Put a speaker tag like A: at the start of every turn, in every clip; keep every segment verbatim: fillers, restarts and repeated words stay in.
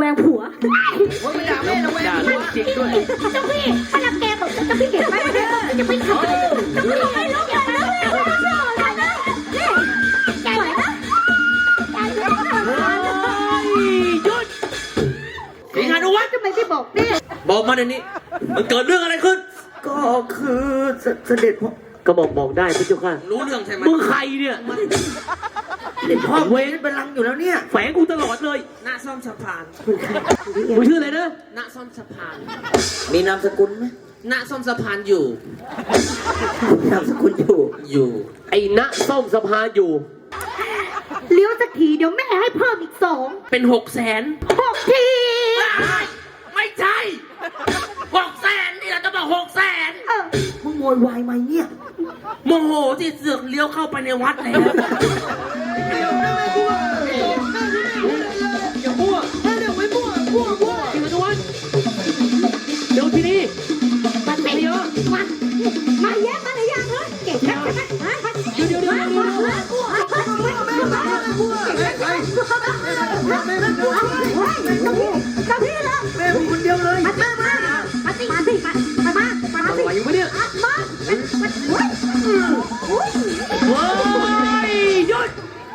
A: แวงผัว
B: ว่าไม่ด่าแม่ระแวงด่าเรื่องจริงด้วย
A: เจ้าพี่ถ้ารังแกผมเจ้าพี่เก็บไว้ไม่ได้จะไม่ทำเจ้าพี่ทำไมลูกอย่าไปแล้วอย่าไปแล้วอย่าไปแล้วนี่ใจไหวนะใจไหว
B: หยุดสิงหานุวัฒน์
A: ทำไมไม่บอกเนี่ย
B: บอกมาเดี๋ยวนี้มันเกิดเรื่องอะไรขึ้น
C: ก็คือเสด็จพ่อก็บอกบอกได้พี่เจ้าค่ะ
B: รู้เรื่องใช่ไหม
C: มึงใครเนี่ยเด็กพ่อเวรเป็นลังอยู่แล้วเนี่ยแฝงกูตลอดเลย
B: ณซ่อมสะพาน
C: มึงชื่ออะไรนะ
B: ณซ่อมสะพาน
C: มีนามสกุลไหม
B: ณซ่อมสะพานอยู่
C: นามสกุลอยู่
B: อยู่
C: ไอ้ณซ่อมสะพานอยู่
A: เลี้ยวสักทีเดี๋ยวแม่ให้เพิ่มอีกสอง
B: เป็นหกแสน
A: หกที
B: ไม่ใช่หกแสนนี่เราจะบอกหกแสน
C: มึงโวยวายไหมเนี่ย
B: โมโหที่เสือกเลี้ยวเข้าไปในวัดแล้ว
C: อย่ามั่วเดี๋ยวไม่มั่วมั่วมั่วสิงห์นวลเดี๋ยวที่นี่
A: มาเตะเยอะมามาแย่มาเลยยังเลยเก่งนะ
C: เดี๋ยวเดี๋ยวเดี๋ยวเดี๋ยว
A: มามาพี่ละ
C: แม่ผมคนเดียวเลย
A: มามามามาสิมาสิมามามามาสิ
C: อะไรอยู่เนี่ย
A: มา
C: โอ้ยหยุด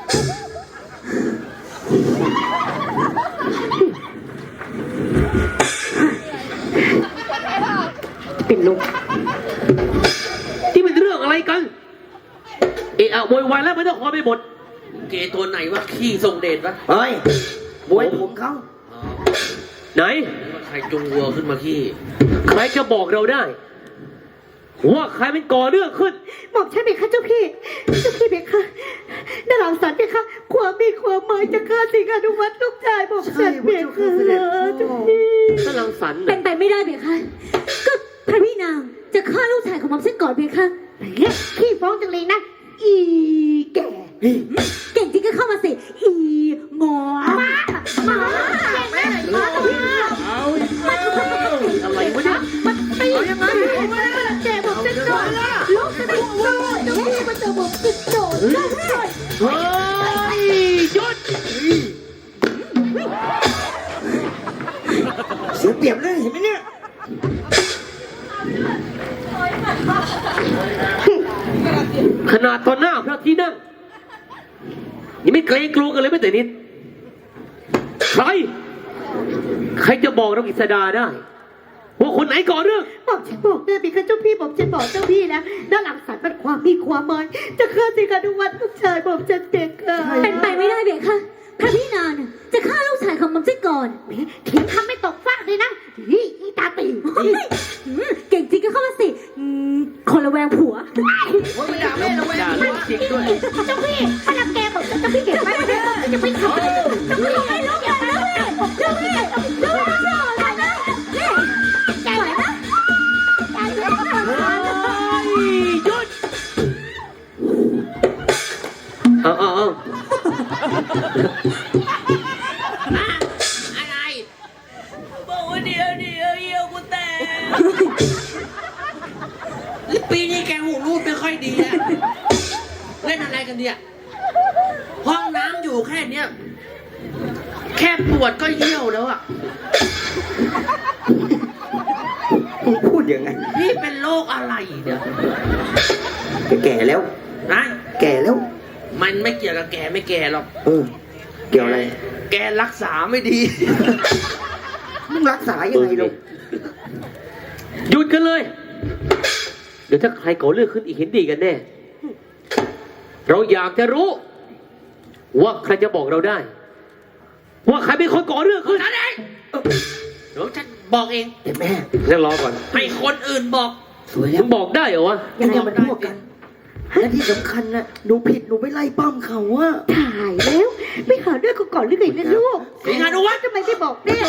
C: ปิดลงที่เป็นเรื่องอะไรกันเอะอะโวยวายแล้วไม่ต้องคอยไปหมด
B: เกตัวไหนวะขี้ทรงเดชวะ
C: เฮ้ยบวยผมเขาไหน
B: ใครจุงวัวขึ้นมาขี้
C: ใครจะบอกเราได้ว่าใครเป็นก่อเรื่องขึ้น
A: บอกฉันเบค่ะเจ้าพี่เจ้าพี่เบค่ะดาราสันเบค่ะความมีความหมายจะฆ่าสิงหานุวัฒน์ลูกชายบอกฉันเบค่ะเจ้าพี่
C: ดาราสัน
A: เป็นไปไม่ได้เบค่ะก็พระพี่นางจะฆ่าลูกชายของผมเส้นก่อนเบค่ะขี้ฟ้องจังเลยนะอีแก่เก่งจริงก็เข้ามาสิอีงอมามามาตรงนี้
C: เอาอะไรวะเนี่ย
A: มันตียังไงแกบอกจะโดนลูกจะได้โดนลูกมันจะบอกจะโดน
C: เฮ้ยหยุดเสียเปรียบเลยเห็นไหมเนี่ยขนาดตอนหน้าพระที่นั่งยังไม่เกรงกลัวกันเลยไม่แต่นิดใครใครจะบอกเรากิษดาได้ว่าคนไหนก่อเรื่อง
A: บอกฉันบอกได้พี่ค่ะเจ้าพี่บอกฉันบอกเจ้าพี่นะด้านหลังสารมันความมีความหมายจะฆ่าสิงหานุวัฒน์ลูกชายบอกฉันเด็กค่ะเป็นไปไม่ได้เด็กค่ะพระพี่นางจะฆ่าลูกชายของมันเสียก่อนเถียงคำไม่ตกฟากเลยนะนี่อีตาตีเก่งจริงก็เข้ามาสิคนละแวงผัว
B: ว่าไม่ด่าแม่ระแวงด่าเรื่องจริงด้วย
A: เจ้าพี่ถ้ารังแกผมเจ้าพี่เก็บไว้ไม่ได้จะไม่ทำเจ้าพี่ทำไมลูกอย่าไปแล้วเจ้าพี่เจ้าพี่เจ้าพี่อะไรนะนี่ใจไหวนะใจไหว
C: หยุดเอาเอาเอา
B: อะไรบอกว่าเดี๋ยวเดี๋ยวเยี่ยวกูแตกปีนี้แกหูรูดไม่ค่อยดีอะเล่นอะไรกันเนี่ยห้องน้ำอยู่แค่เนี้ยแค่ปวดก็เยี่ยวแล้วอะ
C: พูดยังไง
B: นี่เป็นโรคอะไรเนี่ย
C: แก่แล้ว
B: นะ
C: แก่แล้ว
B: มันไม่เกี่ยวกับแก่ไม่แก่หรอก
C: เออเกี่ยวอะไร
B: แกรักษาไม่ดี
C: มึงรักษายังไงลูกหยุดกันเลยเดี๋ยวถ้าใครก่อเรื่องขึ้นอีกเห็นดีกันแน่เราอยากจะรู้ว่าใครจะบอกเราได้ว่าใครเป็นคนก่อเรื่องขึ้น
B: นั่นเองเดี๋ยวฉันบอกเอง
C: แต่แม่เดี๋ยวรอก่อน
B: ให้คนอื่นบอก
C: สวยแล้วบอกได้เหรอวะยังไงมันพวกกันและที่สำคัญนะหนูผิดหนูไปไล่ปั้มเขาอะ
A: ถ่ายแล้วไม่หาด้วยกูก่อนหรือไงนะลูก
B: สิงหานุวัฒน์
A: ทำไมไม่บอกเนี่ย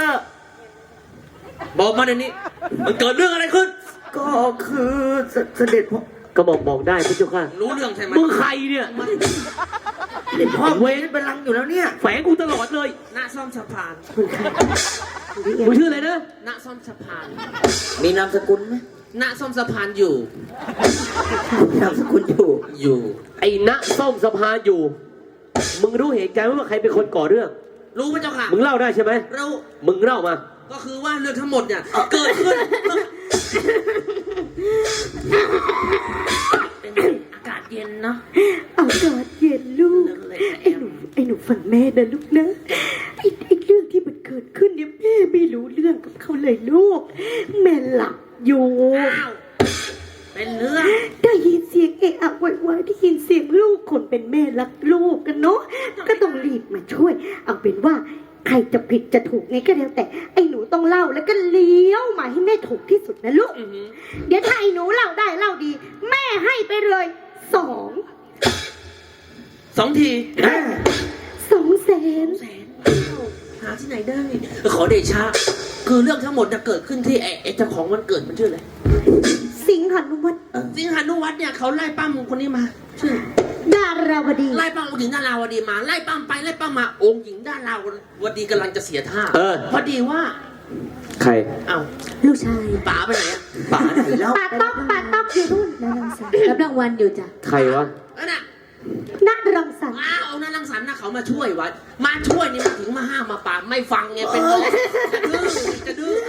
B: บอกมาเดี๋ยวนี้มันเกิดเรื่องอะไรขึ้น
C: ก็คือเสด็จพ่อก็บอกบอกได้พี่เจ้าค่ะ
B: รู้เรื่องใช่ไหม
C: มึงใครเนี่ยเด็กพ่อเวรเป็นลังอยู่แล้วเนี่ยแฝงกูตลอดเลย
B: ณซ่อมสะพาน
C: มึงชื่ออะไรนะ
B: ณซ่อมสะพาน
C: มีนามสกุลไหม
B: ณซ่อมสะพานอยู่
C: นามสกุลอยู่
B: อยู่
C: ไอ้ณซ่อมสะพานอยู่มึงรู้เหตุการณ์ว่าใครเป็นคนก่อเรื่อง
B: รู้พระเจ้าค่ะ
C: มึงเล่าได้ใช่ไหม
B: รู้
C: มึงเล่ามา
B: ก็คือว่าเรื่องทั้งหมดเนี่ยเกิดขึ้นเป็นอากาศเย็นเนาะ
A: อากาศเย็นลูก ไอ้หนูไอ้หนูฟังแม่นะลูกนะไอ้ไอ้เรื่องที่มันเกิดขึ้นเนี่ยแม่ไม่รู้เรื่องกับเขาเลยลูก แม่หลับอยู่
B: อ้าวเป็นเรื่อง
A: ได้ยินเสียงเอะอะโวยวายได้ยินเสียงลูกคนเป็นแม่รักลูกกันเนาะก็ต้องรีบมาช่วย เอาเป็นว่าใครจะผิดจะถูกไงก็แล้วแต่ไอ้หนูต้องเล่าแล้วก็เลี้ยวมาให้แม่ถูกที่สุดนะลูก
B: อื้อหือ
A: เดี๋ยวถ้าไอ้หนูเล่าได้เล่าดี แม่ให้ไปเลยสอง
B: สองที
A: สองแสน
B: แสนหาที่ไหนได้ขอเดชะคือเรื่องทั้งหมดจะเกิดขึ้นที่ไอ้ไอ้เจ้าของวันเกิดมันชื่ออะไร
A: สิงหานุวัฒน์
B: สิงหานุวัฒน์เนี่ยเขาไล่ปั้มคนนี้มา ชื่อ
A: ดาราวดี
B: ไล่ปั้มองค์หญิงดาราวดีมาไล่ปั้มไปไล่ปั้มมาองค์หญิงดาราวดีกำลังจะเสียท่า
C: เออ
B: พอดีว่า
C: ใคร
B: เอ้า
A: ลูกชาย
B: ป๋าไปไหนอะ
C: ป๋าไหนแล้ว
A: ปาต๊อกปาต๊อกอยู่นู่นนรังสรรค์รับรางวัลอยู่จ้ะ
C: ใครวะ
B: นั่นน่ะ
A: นักรังสรรค์
B: อ้าวเอานั่นรังสรรค์นะเขามาช่วยไว้มาช่วยนี่มาถึงมาห้ามมาปรามไม่ฟังไงเป็นน้องจะดื้อจะดื้อ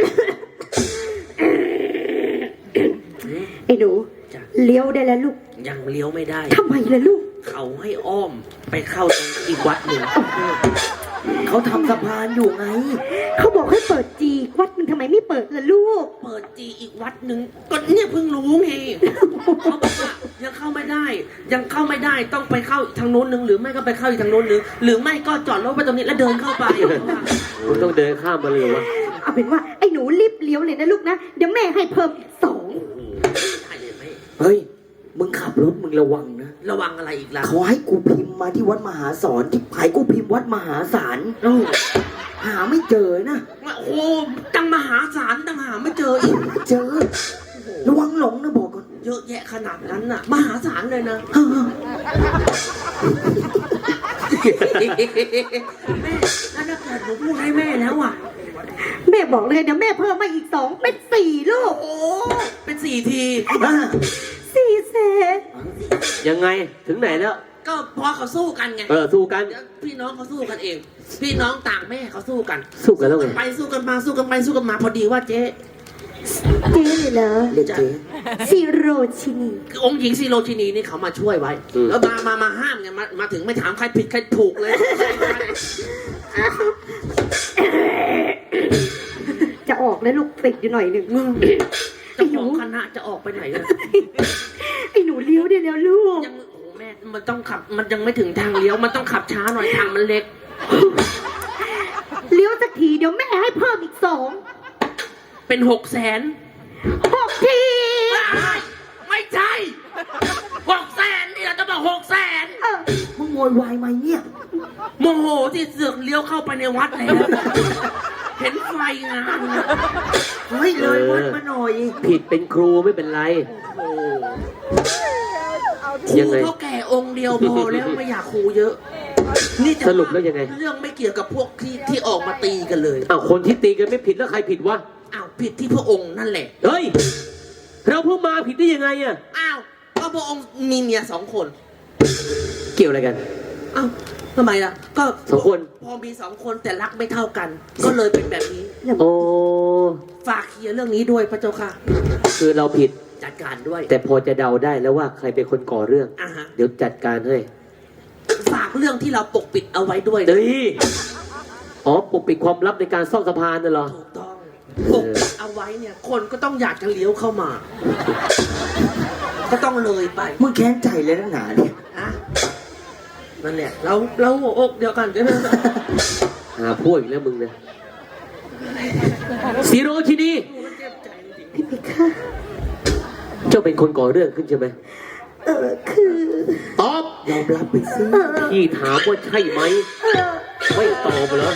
A: ไอ้หนู
B: จ้ะ
A: เลี้ยวได้แล้วลูก
B: ยังเลี้ยวไม่ได้
A: ทำไมล่ะลูก
B: เขาให้อ้อมไปเข้าตรงอีกวัดหนึ่ง
D: เขาทำสะพานอยู่ไง
A: เขาบอกให้เปิดจีวัดมึงทำไมไม่เปิดล่ะลูก
B: เปิดจีอีกวัดหนึ่งก็เนี่ยเพิ่งรู้ไงเขาบอกว่ายังเข้าไม่ได้ ยังเข้าไม่ได้ต้องไปเข้าอีกทางโน้นหนึ่งหรือไม่ก็ไปเข้าอีกทางโน้นหนึ่งหรือไม่ก็จอดรถไปตรงนี้แล้วเดินเข้าไป
C: มึงต้องเดินข้ามมาเลยวะ
A: เอาเป็นว่าไอ้หนูรีบเลี้ยวเลยนะลูกนะ เดี๋ยวแม่ให้เพิ่มอีกสอง
B: ได้เลยไหม
D: เฮ้ย มึงขับรถมึงระวังนะ
B: ระวังอะไรอีกล่ะ
D: เขาให้กูพิมพ์มาที่วัดมหาสอนที่ผายกูพิมพ์วัดมหาศาล
B: โอ้
D: หาไม่เจอนะ
B: โหตั้งมหาศาลตั้งหาไม่เจออีก
D: เจอ ระวังหลงนะบอกก่อน
B: เยอะแยะขนาดนั้นน่ะ มหาศาลเลยนะ
D: เออ
B: แม่แล้วถ้าเกิดหนูพูดให้แม่แล้วอ่ะ
A: แม่บอกเลยเดี๋ยวแม่เพิ่มมาอีกสองเป็นสี่ลูก
B: โอ้เป็นสี่ที
D: อ่ะ
A: สี่แสน
C: ยังไงถึงไหนแล้ว
B: ก็พอเขาสู้กันไง
C: เออสู้กัน
B: เดี๋ยวพี่น้องเขาสู้กันเอง พี่น้องต่างแม่เขาสู้กัน
C: สู้กันแล้วไง
B: ไปสู้กันมาสู้กันไปสู้กันมาพอดีว่าเจ๊
A: เจ๊เลยเหรอ
D: เรียกเจ๊
A: ซีโรชินี
B: คือองค์หญิงซีโรชินีนี่เขามาช่วยไว้ แล้วมามามาห้ามไงมามาถึงไม่ถามใครผิดใครถูกเลย
A: จะออกแล้วลูกติดอยู่หน่อยหนึ่ง
B: เจ้าของคณะจะออกไปไหนกัน
A: ไอ้หนูเลี้ยวได้แล้วลูก
B: ยังโอ้แม่มันต้องขับมันยังไม่ถึงทางเลี้ยวมันต้องขับช้าหน่อยทางมันเล็ก
A: เลี้ยวสักทีเดี๋ยวแม่ให้เพิ่มอีกสอง
B: เป็นหกแสน
A: หกที
B: ไม่ใช่หกแสนนี่เราจะบอกหกแสน
A: เออ
D: มึงโวยวายไหมเนี่ย
B: โมโหที่เสือกเลี้ยวเข้าไปในวัดแล้ว เห็นไฟงานนะ
D: เฮ้ยเลยวัดมาหน่อย
C: ผิดเป็นครูไม่เป็นไร
B: โอ้ครู
C: ยังไง
B: เท่าแก่องค์เดียวพอแล้วไม่อยากครูเยอะ นี่จะ
C: สรุปแล้วยังไง
B: เรื่องไม่เกี่ยวกับพวกที่ที่ออกมาตีกันเลย
C: อ้าวคนที่ตีกันไม่ผิดแล้วใครผิดวะ
B: อ้าวผิดที่พระองค์นั่นแหละ
C: เฮ้ย เราเพิ่งมาผิดได้ยังไงอะ
B: อ้าวก็พระองค์มีเมียสองคน
C: เกี่ยวอะไรกัน
B: อ้าวทำไมล่ะ ก็
C: สองคน
B: พอมีสองคนแต่รักไม่เท่ากัน ก็เลยเป็นแบบนี้
C: โอ้
B: ฝากเคลียร์เรื่องนี้ด้วยพระเจ้าค่ะ
C: คือเราผิด
B: จัดการด้วย
C: แต่พอจะเดาได้แล้วว่าใครเป็นคนก่อเรื่อง
B: อ่าฮะ
C: เดี๋ยวจัดการให้
B: ฝากเรื่องที่เราปกปิดเอาไว้ด้วยนะ
C: เฮ้ยอ๋อปกปิดความลับในการซ่อมสะพานน่ะเหรอ
B: ถูกต้องปกปิดเอาไว้เนี่ย คนก็ต้องอยากจะเลี้ยวเข้ามา ก็ต้องเลยไป
D: มึงแค้นใจเลยนักหนาเนี่ย
B: อะนั่นแหละเราเราหัวอกเดียวกันใช่ไหม
C: หาพวกอีกแล้วมึงเนี่ยซีโรชินี
A: พี่เพคะ
C: เจ้าเป็นคนก่อเรื่องขึ้นใช่ไหม
A: เออคือ
C: ตอบ
D: ยอมรับไปซิ
A: เออ
C: พี่ถามว่าใช่ไหม
A: เออ
C: ไม่ตอบเหรอ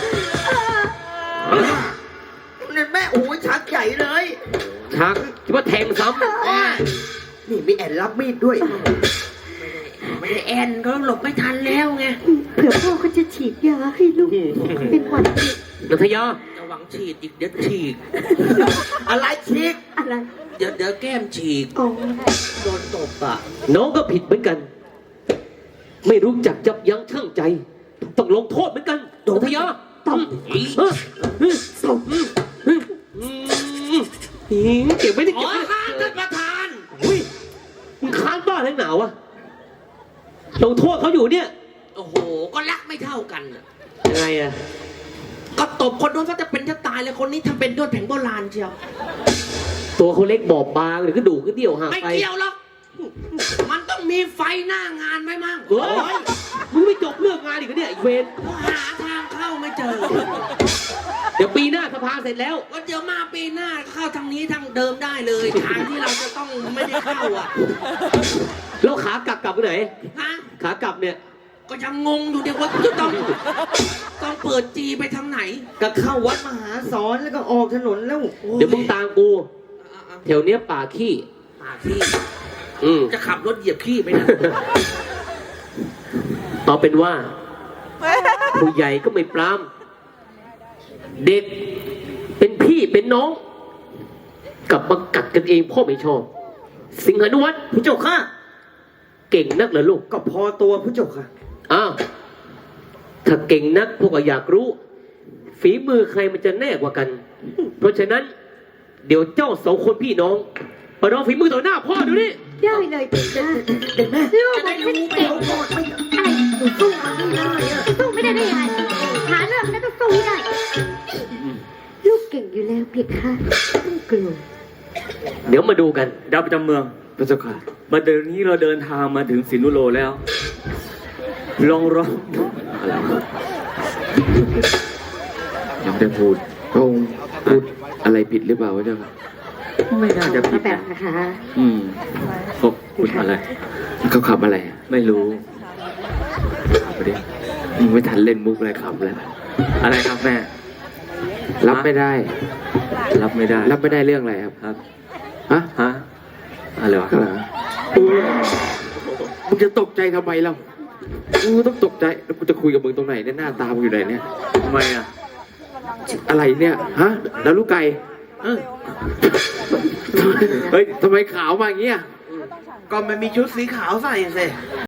D: นั่นแม่โอ้ยชักใหญ่เลย
C: ชักคิดว่าแทงซ้
D: นี่มีแอนรับมีดด้วย
B: ไม่ได้แอนก็หลบไม่ทันแล้วไง
A: เผื่อพ่อก็จะฉีดยาให้ลูกเป็นหวัด
C: ำนัทยา
B: ระวังฉีดอีกเดี๋ยวฉีก
D: อะไรชิก
A: อะไร
B: เดี๋ยวเดี๋ยวแก้มฉีก
A: อ๋อ
B: โดนตบอ่ะ
C: น้องก็ผิดเหมือนกัน ไม่รู้จักยับยั้งชั่งใจ ถต้องลงโทษเหมือนกัน
D: โดน
C: อุทยา
A: ต้อง
C: เออเออเออเออเก็บไม่ได้
B: อ๋
C: เก็
B: อบ
C: ไม่ได้
B: ครับท่านประธาน
C: อุ้ยมึงค้างบ้าทั้งหนาวอะลงโทษเขาอยู่เนี่ย
B: โอ้โห ก็รักไม่เท่ากันน่ะ
C: ยังไงอะ
B: ก็ตบคนโน้นก็จะเป็นจะตายเลยคนนี้ทำเป็นด้วยแผงโบราณเชียว
C: ตัวเขาเล็กบอบบางหรือกระดูกกระเดี่ยวห่าง
B: ไม่
C: ไป
B: เกี่ยวหรอก มันต้องมีไฟหน้างานไว้มั่ง
C: เฮ้ยมึงไม่จบเรื่องงานอีกเหรอเนี่ยไอ้เวร
B: หาทางเข้าไม่เจอ
C: เดี๋ยวปีหน้าสภาเสร็จแล้ว
B: ก็เดี๋ยวมาปีหน้าเข้าทางนี้ทางเดิมได้เลย ทางที่เราจะต้องไม่ได้เข้าอ่ะ
C: แล้วขากลับกลับไปไหน
B: ฮะ
C: ขากลับเนี่ย
B: ก็ยังงงอยู่เดี๋ยวว่าจะต้องต้องเปิดจีไปทางไหน
D: ก็เข้าวัดมหาสอนแล้วก็ออกถนนแล้ว
C: เดี๋ยวมึงตามกู
B: อ่ะ
C: แถวเนี้ยป่าขี้
B: ๆมาขี้
C: อืม
B: จะขับรถเหยียบขี้ไปนะ
C: เอาเป็นว่า ผู้ใหญ่ก็ไม่ปราม เด็กเป็นพี่เป็นน้อง กลับมากัดกันเองพ่อไม่ชอบ สิงหานุวัฒน์
D: ผู้เจ้าค่ะ
C: เก่งนักเหรอลูก
D: ก็พอตัวผู้เจ้าค่ะ
C: อ้าว ถ้าเก่งนักพวกก็อยากรู้ ฝีมือใครมันจะแน่กว่ากัน เพราะฉะนั้น เดี๋ยวเจ้าสองคนพี่น้องมาลองฝีมือต่อหน้าพ่อดูนี่
A: ได้เลยเพคะ
D: เด็กแม่
A: ลูกผมฉันเก่ง
D: โกรธไม่
A: อะไรหนูสู้มันไม่ได้อะสู้ไม่ได้ได้ยังไงหาเรื่องแล้วต้องสู้ให้ได้ ลูกเก่งอยู่แล้วเพคะไม่ต้องกลัว
C: เดี๋ยวมาดูกัน
E: ดาวประจำเมือง
C: พระเจ้าค่ะ
E: มาเดี๋ยวนี้เราเดินทางมาถึงสินุโลแล้ว ลองร้อง
C: อะไรวะ
E: ยังไม่ได้พูด
F: พระองค์พูดอะไรผิดหรือเปล่าพระเจ้าค่ะ
E: ไม่น่าจะผิ
A: มา
E: ด
A: แบบ
E: นะ
A: นะคะ
E: อืมเขาพูดอะไร
F: เขาขับอะไรอะ
E: ไม่รู้
F: ขับไปดิมึงไม่ทันเล่นมุกอะไรขับแล้ว
E: อะไรครับแม่
F: รับไม่ได้
E: รับไม่ได้
F: รับไม่ได้เรื่องอะไรครับ
E: ครับ
F: ฮะ
E: ฮะอะไรวะ
F: ข้างหลังมึงจะตกใจทำไมเล่ากูต้องตกใจแล้วกูจะคุยกับมึงตรงไหนเนี่ยหน้าตามึงอยู่ไหนเนี่ย
E: ทำไมอ่ะ
F: อะไรเนี่ยฮะแล้วลูกไก่เออเฮ้ยทำไมขาวมาอย่างเงี้ย
D: ก็มันมีชุดสีขาวใส่สิ
F: อ